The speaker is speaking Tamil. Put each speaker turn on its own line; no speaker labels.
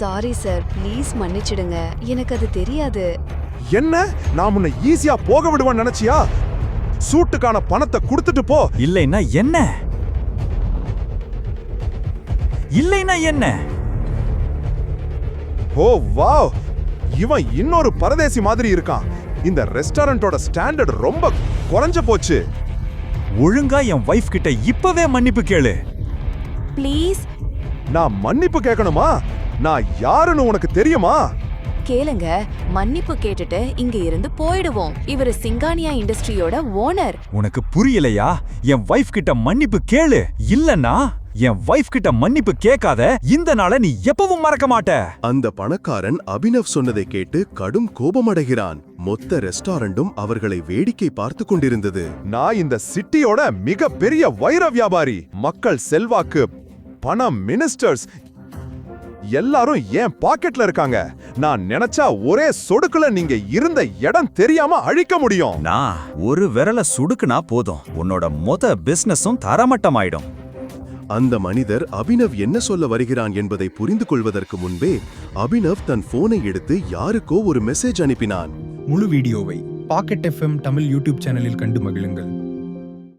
சாரி சார், ப்ளீஸ் மன்னிச்சிடுங்க. எனக்கு அது தெரியாது.
என்ன, நான் உன்னை ஈஸியா போக விடுவேன்னு நினைச்சியா? சூட்டுக்கான பணத்தை கொடுத்துட்டு போ.
இல்லைன்னா என்ன? இல்லைன்னா என்ன?
ஓ வாவ், இவன் இன்னொரு பரதேசி மாதிரி இருக்கான். இந்த ரெஸ்டாரண்டோட ஸ்டாண்டர்ட் ரொம்ப குறைஞ்ச போச்சு.
ஒழுங்கா என் வைஃப் கிட்ட இப்பவே மன்னிப்பு கேளு.
ப்ளீஸ்.
நான் மன்னிப்பு கேட்கணுமா? நான் யாருன்னு உனக்கு தெரியுமா?
கேளுங்க, மன்னிப்பு கேட்டுட்டு இங்க இருந்து போயிடுவோம். இவரு சிங்கானியா இண்டஸ்ட்ரியோட ஓனர்.
உனக்கு புரியலையா? என் வைஃப் கிட்ட மன்னிப்பு கேளு. இல்லன்னா என் வைஃப் கிட்ட மன்னிப்பு கேட்காத இந்த நாளை நீ எப்பவும் மறக்க மாட்ட.
அந்த பணக்காரன் அபினவ் சொன்னதை கேட்டு கடும் கோபமடைகிறான். மொத்த ரெஸ்டாரண்டும் அவர்களை வேடிக்கை பார்த்து கொண்டிருந்தது.
நான் இந்த சிட்டியோட மிக பெரிய வைர வியாபாரி. மக்கள் செல்வாக்கு, பணம், மினிஸ்டர்ஸ் எல்லாரும் என் பாக்கெட்ல இருக்காங்க. நான் நினைச்சா ஒரே சொடுக்குல நீங்க இருந்த இடம் தெரியாம அழிக்க முடியும்.
நான் ஒரு விரல சுடுக்குனா போதும், உன்னோட மொத்த பிசினஸும் தரமட்டமாயிடும்.
அந்த மனிதர் அபினவ் என்ன சொல்ல வருகிறான் என்பதை புரிந்து கொள்வதற்கு முன்பே அபினவ் தன் போனை எடுத்து யாருக்கோ ஒரு மெசேஜ் அனுப்பினான்.
முழு வீடியோவை பாக்கெட் FM தமிழ் யூடியூப் சேனலில் கண்டு மகிழுங்கள்.